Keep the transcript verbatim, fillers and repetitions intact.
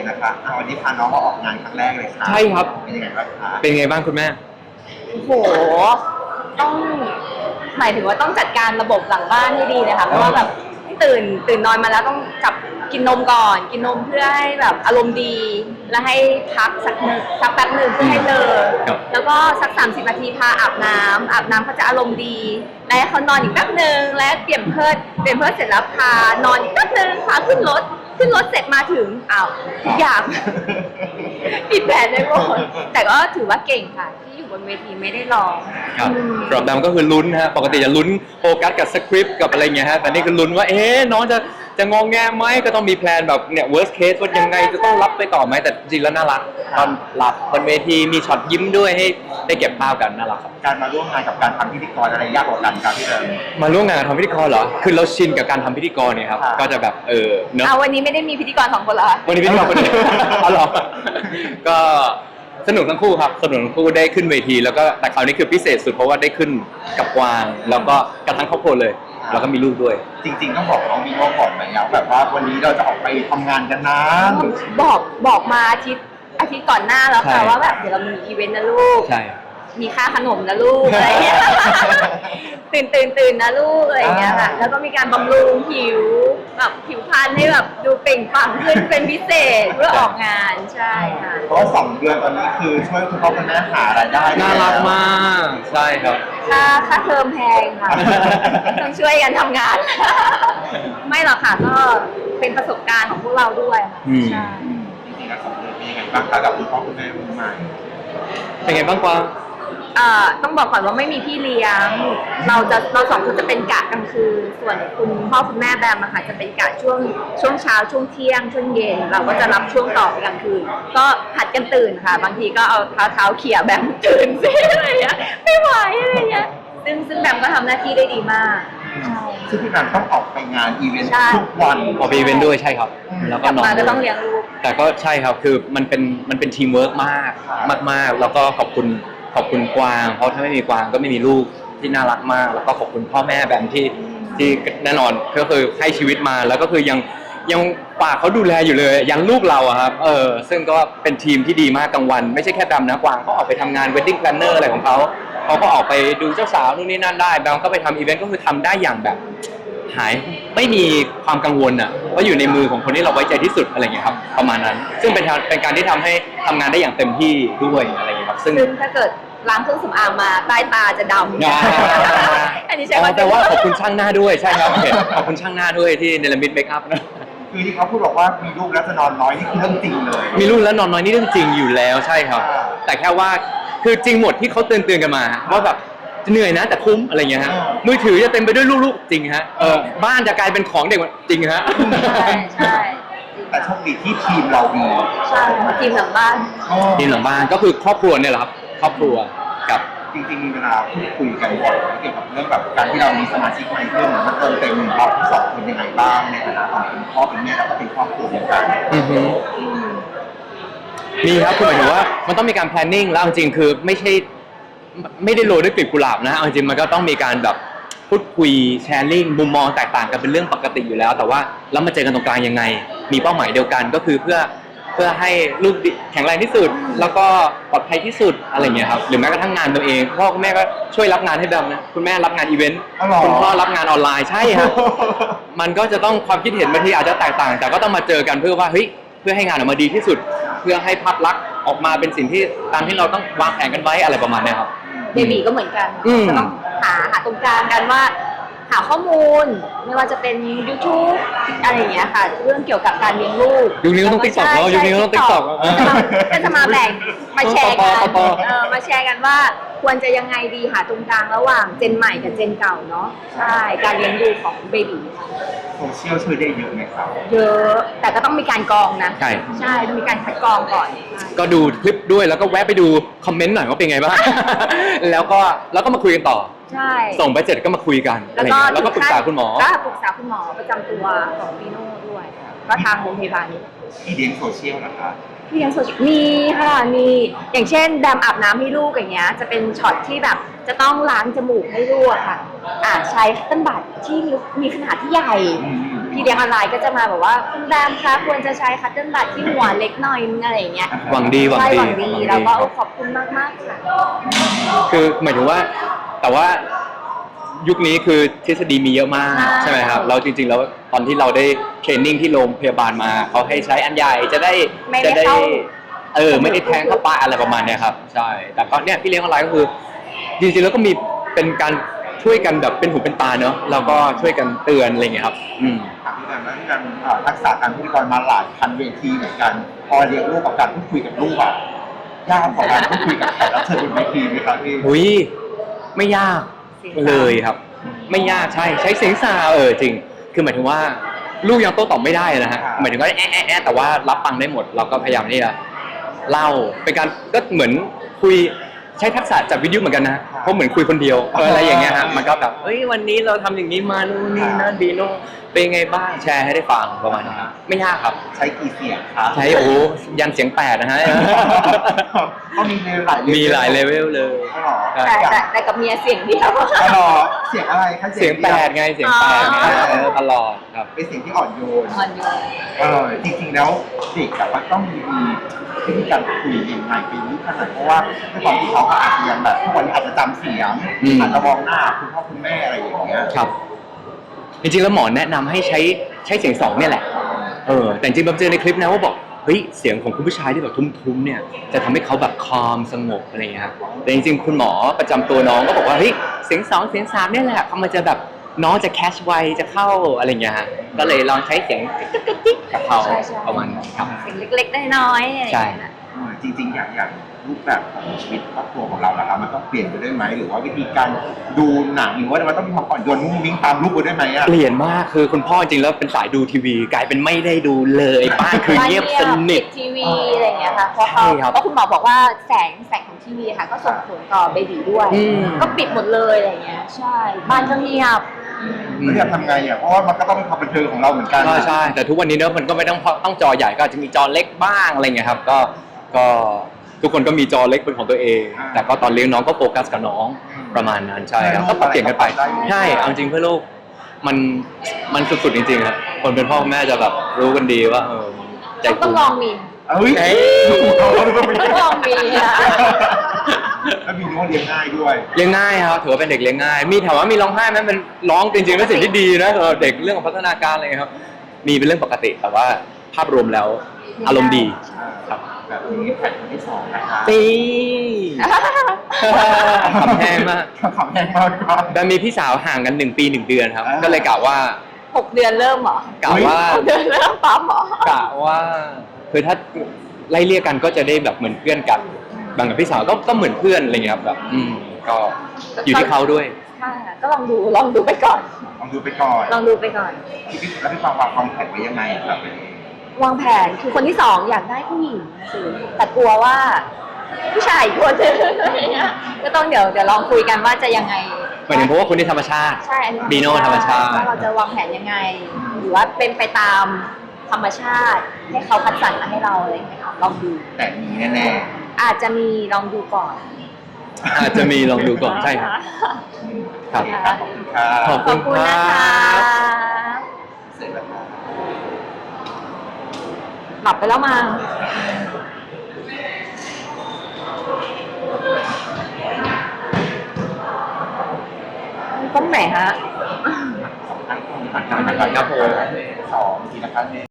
นะคะวันนี้พาน้องมาออกงานครั้งแรกเลยค่ะใช่ครับเป็นยังไงบ้างคะเป็นไงบ้างคุณแม่โอ้โหต้องหมายถึงว่าต้องจัดการระบบหลังบ้านให้ดีเลยค่ะเพราะว่าแบบตื่นตื่นนอนมาแล้วต้องจับกินนมก่อนกินนมเพื่อให้แบบอารมณ์ดีแล้วให้พักสักนึงสักแป๊บหนึ่งเพื่อให้เลอแล้วก็สักสามสิบนาทีพาอาบน้ำอาบน้ำเขาจะอารมณ์ดีแล้วให้เขานอนอีกแป๊บหนึ่งแล้วเปลี่ยนเพิดเปลี่ยนเพิดเสร็จแล้วพานอนอีกแป๊บหนึ่งพาขึ้นรถขึ้นรถเสร็จมาถึงอ้าวทุกอย่างผิดแผนเลยหมดแต่ก็ถือว่าเก่งค่ะที่อยู่บนเวทีไม่ได้ร้องครับสำหรับแบมก็คือลุ้นฮะปกติจะลุ้นโฟกัสกับสคริปต์กับอะไรเงี้ยฮะแต่นี่คือลุ้นว่าเอ๊ะน้องจะจะงองแงไหมก็ต้องมีแพลนแบบเนี่ย worst case ว่ายังไงจะต้องรับไปต่อไหมแต่จริงแล้วน่ารักตอนหลับบนเวทีมีช็อตยิ้มด้วยให้ได้เก็บภาพกันน่ารักครับการมาร่วมงานกับการทำพิธีกรอะไรยากกว่ากันครับพี่เอิญมาร่วมงานทำพิธีกรเหรอคือเราชินกับการทำพิธีกรเนี่ยครับก็จะแบบเออเนอะวันนี้ไม่ได้มีพิธีกรสองคนเหรอวันนี้พิธีกรคนเดียวอ๋อเหรอก็สนุกทั้งคู่ครับสนุกทั้งคู่ได้ขึ้นเวทีแล้วก็แต่คราวนี้คือพิเศษสุดเพราะว่าได้ขึ้นกับกวางแล้วก็กระทั่งครอบครัวเลยแล้วก็มีลูกด้วยจริงๆต้องบอกน้องมีโน่ก่อนไหมครับแบบว่าวันนี้เราจะออกไปทำงานกันนะบอกบอกมาอาทิตย์อาทิตย์ก่อนหน้าแล้วค่ะว่าแบบเดี๋ยวเรามีอีเวนต์นะลูกใช่มีค่าขนมนะลูกอะไรเงี้ยตื่นตื่นตื่นนะลูกอะไรเงี้ยค่ะแล้วก็มีการบำรุงผิวแบบผิวพรรณให้แบบดูเปล่งปลั่งขึ้นเป็นพิเศษเพื่อออกงานใช่ค่ะเพราะว่าสองเดือนตอนนี้คือช่วยคุณพ่อคุณแม่หารายได้น่ารักมากใช่ครับค่าค่าเทอมแพงค่ะต้องช่วยกันทำงานไม่หรอกค่ะก็เป็นประสบการณ์ของพวกเราด้วยค่ะใช่จริงๆแล้วสองเดือนเป็นยังไงบ้างคะกับคุณพ่อคุณแม่มือใหม่เป็นไงบ้างกวางต้องบอกก่อนว่าไม่มีพี่เลี้ยงเราจะเราสองคนจะเป็นกะกลางคืนส่วนคุณพ่อคุณแม่แบมอะค่ะจะเป็นกะช่วงช่วงเช้าช่วงเที่ยงช่วงเย็นเราก็จะรับช่วงต่อไปกลางคืนก็ผัดกันตื่นค่ะบางทีก็เอาเท้าเท้าเขี่ยแบมตื่นซิอะไรเงี้ยไม่ไหวอะไรเงี้ยซึ่งซึ่งแบมก็ทำหน้าที่ได้ดีมากซึ่งพี่แบมต้องออกไปงานอีเวนต์ทุกวันออกไปอีเวนต์ด้วยใช่ครับแล้วก็นอนก็ต้องเลี้ยงลูกแต่ก็ใช่ครับคือมันเป็นมันเป็นทีมเวิร์กมากมากๆแล้วก็ขอบคุณขอบคุณกวางเพราะถ้าไม่มีกวางก็ไม่มีลูกที่น่ารักมากแล้วก็ขอบคุณพ่อแม่แบมที่ที่แน่นอนก็คือให้ชีวิตมาแล้วก็คือยังยังฝากเขาดูแลอยู่เลยยังลูกเราอะครับเออซึ่งก็เป็นทีมที่ดีมากกลางวันไม่ใช่แค่แบมนะกวางเขาออกไปทำงาน wedding planner อะไรของเขาเขาก็ออกไปดูเจ้าสาวนู่นนี่นั่นได้แบมก็ไปทำอีเวนต์ก็คือทำได้อย่างแบบหายไม่มีความกังวลอะว่าอยู่ในมือของคนที่เราไว้ใจที่สุดอะไรอย่างเงี้ยครับประมาณนั้นซึ่งเป็นเป็นการที่ทำให้ทำงานได้อย่างเต็มที่ด้วยอะไรอย่างเงี้ยครับซึ่งถ้าเกิดล้างเครื่องสำอางมาใต้ตาจะดำอันนี้ใช่ไหมแต่ว่าขอบคุณช่างหน้าด้วยใช่ครับขอบคุณช่างหน้าด้วยที่เนลมิดเมคอัพนะคือที่เขาพูดบอกว่ามีลูกแล้วจะนอนน้อยนี่คือเรื่องจริงเลยมีลูกแล้วนอนน้อยนี่เรื่องจริงอยู่แล้วใช่ครับแต่แค่ว่าคือจริงหมดที่เขาเตือนเตือนกันมาว่าแบบเหนื่อยนะแต่คุ้มอะไรเงี้ยฮะมือถือจะเต็มไปด้วยลูกๆจริงฮะเออบ้านจะกลายเป็นของเด็กจริงฮะใช่ใช่แต่โชคดีที่ทีมเราดีใช่ทีมหลังบ้านทีมหลังบ้านก็คือครอบครัวเนี่ยแหละครับครอบครัวกับจริงๆมีเวลาพูดคุยกันบ่อยเกี่ยวกับเรื่องแบบการที่เรามีสมาชิกใหม่เพิ่มมันเติมเต็มเราทั้งสองคนยังไงบ้างในฐานะของเป็นพ่อเป็นแม่แล้วก็เป็นครอบครัวเหมือนกันมีครับคือหมายถึงว่ามันต้องมีการ planning แล้วจริงๆคือไม่ใช่ไม่ได้โรยด้วยกลีบกุหลาบนะจริงๆมันก็ต้องมีการแบบพูดคุยแชร์ลิงมุมมองแตกต่างกันเป็นเรื่องปกติอยู่แล้วแต่ว่าแล้วมาเจอกันตรงกลางยังไงมีเป้าหมายเดียวกันก็คือเพื่อเพื่อให้ลูกแข็งแรงที่สุดแล้วก็ปลอดภัยที่สุดอะไรเงี้ยครับหรือแม้กระทั่งงานตัวเองพ่อคุณแม่ก็ช่วยรับงานให้แบมนะคุณแม่รับงานอีเวนต์คุณพ่อรับงานออนไลน์ใช่ครับมันก็จะต้องความคิดเห็นบางทีอาจจะแตกต่างแต่ก็ต้องมาเจอกันเพื่อว่าเฮ้ยเพื่อให้งานออกมาดีที่สุดเพื่อให้ภาพลักษณ์ออกมาเป็นสิ่งที่ตามที่เราต้องวางแผนกันไว้อะไรประมาณนี้ครับเบบีก็เหมือนกันจะต้องหาหาตรงกลางกันว่าหาข้อมูลไม่ว่าจะเป็น YouTube อะไรอย่างเงี้ยค่ะเรื่องเกี่ยวกับการเลี้ยงลูกยุคนี้ต้องติ๊กต็อกแล้วยุคนี้ต้องติ๊กต็อกก็จะมาแบ่งมาแชร์กันมาแชร์กันว่าควรจะยังไงดีหาตรงกลางระหว่างเจนใหม่กับเจนเก่าเนาะใช่การเลี้ยงดูของเบบีโซเชียลช่วยได้เยอะไหมครับเยอะแต่ก็ต้องมีการกรองนะใช่ใช่ต้องมีการคัดกรองก่อนก็ดูคลิปด้วยแล้วก็แวะไปดูคอมเมนต์หน่อยว่าเป็นไงบ้างแล้วก็แล้วก็มาคุยกันต่อใช่ส่งไปเสร็จก็มาคุยกันแล้วก็แล้วก็ปรึกษาคุณหมอก็ปรึกษาคุณหมอประจำตัวของปีโน่ด้วยก็ทางโรงพยาบาลนี้พี่เลี้ยงโซเชียลนะคะพี่เลี้ยงโซเชียลมีค่ะมีอย่างเช่นแดมอาบน้ำให้ลูกอย่างเงี้ยจะเป็นช็อตที่แบบจะต้องล้างจมูกให้ลูกอะค่ะอ่าใช้คัตเติ้ลบัตที่มีขนาดที่ใหญ่อืมพี่เลี้ยงออนไลน์ก็จะมาแบบว่าคุณแรมคะควรจะใช้คัตเติ้ลบัตที่หัวเล็กหน่อยนึงอะไรอย่างเงี้ยหวังดีหวังใช่ดีหวังดีหวังดีแล้วก็ขอบคุณมากมากๆค่ะคือหมายถึงว่าแต่ว่ายุคนี้คือทฤษฎีมีเยอะมากใช่ใช่ไหมครับแล้วจริงๆแล้วตอนที่เราได้เทรนนิ่งที่โรงพยาบาลมาเขาให้ใช้อันใหญ่จะได้ไม่ได้จะได้เข้าเออไม่ได้แทงเข้าไปอะไรประมาณเนี้ยครับใช่แต่ก็เนี่ยพี่เลี้ยงออนไลน์ก็คือจริงๆแล้วก็มีเป็นการช่วยกันแบบเป็นหูเป็นตาเนอะแล้วก็ช่วยกันเตือนอะไรอย่างเงี้ยครับอืมถามพี่แรมแล้วพี่แรมอ่าทักษะการพูดกรมาหลายพันเวทีเหมือนกัน พอเลี้ยงลูกกับการพูดคุยกับลูกอะยากกว่าการพูดคุยกับแขกรับเชิญบนเวทีไหมครับพี่หุยไม่ยากเสียงสาวเลยครับ ไม่ยากใช่ใช้เสียงสาวเออจริง คือหมายถึงว่าลูกยังโต้ตอบไม่ได้นะฮะหมายถึงว่าแอะแอะแอะแต่ว่ารับฟังได้หมด เราก็พยายามที่จะเล่าเป็นการก็เหมือนคุยใช้ทักษะจากวิทยุเหมือนกันนะเพราะเหมือนคุยคนเดียวเอออะไรอย่างเงี้ยฮะมันก็แบบเอ้ยวันนี้เราทำอย่างนี้มานู่นนี่นั่นดีโน่นเป็นไงบ้างแชร์ให้ได้ฟังประมาณนี้ครับไม่ยากครับใช้กี่เสียงครับใช้โอ้ยันเสียงแปดนะฮะก็มีในหลายมีหลายเลเวลเลยอ๋อเหรอแต่แต่แต่กับเมียเสียงเดียวอ๋อเหรอเสียงอะไรคะเสียงแปดไงเสียงแปดไงอ๋อเออตลอดครับเป็นเสียงที่อ่อนโยนอ่อนโยนเออจริงๆแล้วเด็กอะมันต้องมีวิธีการคุยยังไงไปรู้ขนาดเพราะว่าด้วยความที่เขาก็อาจจะยังแบบทุกวันนี้อาจจะจำเสียงอืมอาจจะมองหน้าคุณพ่อคุณแม่อะไรอย่างเงี้ยครับ จริงๆแล้วหมอแนะนำให้ใช้ใช้เสียงสองเนี่ยแหละ เออ แต่จริงๆผมเจอในคลิปนะว่าบอก เฮ้ย เสียงของคุณผู้ชายที่แบบทุ้มๆ เนี่ย จะทำให้เขาแบบคอมสงบอะไรอย่างเงี้ยครับแต่จริงๆ คุณหมอประจำตัวน้องก็บอกว่า เฮ้ย เสียงสองเสียงสามเนี่ยแหละเขามันจะแบบน้องจะแคชไวจะเข้าอะไรอย่างเงี้ยฮะ ก็เลยลองใช้เสียงจิ๊กๆกับเขาใช่ใช่ประมาณนั้นครับเสียงเล็กๆน้อยๆอะไรอย่างใช่เงี้ยนะเออจริงๆ อย่างอย่างรูปแบบของชีวิตครอบครัวของเราล่ะครับมันต้องเปลี่ยนไปด้วยไหมหรือว่าวิธีการดูหนังหรือว่ามันต้องมีความอ่อนโยนมุ้งมิ้งตามรูปไปด้วยไหมอ่ะเปลี่ยนมาก คือคุณพ่อจริงๆแล้วเป็นสายดูทีวี กลายเป็นไม่ได้ดูเลยบ้านคือเงียบสนิทปิดทีวีอะไรอย่างเงี้ยค่ะเพราะเขาใช่ครับเพราะคุณหมอบอกว่าแสงแสงของทีวีค่ะ ก็ส่งผลต่อเบบีด้วยอืมก็ปิดหมดเลยอะไรอย่างเงี้ย ใช่ บ้านก็เงียบแล้วจะทำไงอ่ะเพราะว่ามันก็ต้องเป็นความบันเทิงของเราเหมือนกันก็ใช่ แต่ทุกวันนี้เนอะมันก็ไม่ต้องต้องจอใหญ่ก็อาจจะมีจอเล็กบ้างอะไรเงี้ยครับ ก็ก็ทุกคนก็มีจอเล็กเป็นของตัวเอง แต่ก็ตอนเลี้ยงน้องก็โฟกัสกับน้องประมาณนั้นใช่ครับก็ปรับเปลี่ยนกันไปใช่เอาจริงเพื่อลูกมันมันสุดๆจริงๆครับคนเป็นพ่อแม่จะแบบรู้กันดีว่าเออใจต้องต้องลองมีเอ้ยเอ้ยเราดูว่าเป็นต้องลองมีนะแล้วมีน้องเลี้ยงง่ายด้วยเลี้ยงง่ายครับถือว่าเป็นเด็กเลี้ยงง่าย มีถามว่ามีร้องไห้ไหมมันร้องจริงๆเป็นสิ่งที่ดีนะสำหรับเด็กเรื่องของพัฒนาการอะไรเงี้ยครับ มีเป็นเรื่องปกติแต่ว่าภาพรวมแล้วอารมณ์ดีครับแบบนี้แผ่นคนที่สองนะคะปีขำแห้งมากขำแห้งมากครับแต่มีพี่สาวห่างกันหนึ่งปีหนึ่งเดือนครับอ่าก็เลยกะว่าหกเดือนเริ่มเหรอกะว่าหกเดือนเริ่มปั๊มเหรอกะว่าคือถ้าไล่เรียกกันก็จะได้แบบเหมือนเพื่อนกันบางกับพี่สาวก็ก็เหมือนเพื่อนอะไรเงี้ยครับแบบ อืมก็อยู่ที่เขาด้วยใช่ค่ะก็ลองดูลองดูไปก่อนลองดูไปก่อนลองดูไปก่อนพี่พี่แล้วพี่ฟังวางวางแผนไว้ยังไงอะครับวางแผนคือคนที่สองอยากได้ผู้หญิงสิแต่กลัวว่า ผู้ชายอีกคนนึงอะไรเงี้ยก็ต้องเดี๋ยวเดี๋ยวลองคุยกันว่าจะยังไงหมายถึงเพราะว่าคุณที่ธรรมชาติใช่อันนี้บีโน่ธรรมชาติว่าเราจะวางแผนยังไง หรือว่าเป็นไปตามธรรมชาติ ให้เขาคัดสรรมาให้เราอะไรอย่างเงี้ยค่ะลองดูแต่มีแน่อาจจะมีลองดูก่อนอาจจะมีลองดูก่อนใช่ครับๆครับขอบคุณครับขอบขอบคุณนะคะเสร็จแล้วครับหลับไปแล้วมาต้องไหนฮะสองท่านครับผมสองทีนะครับ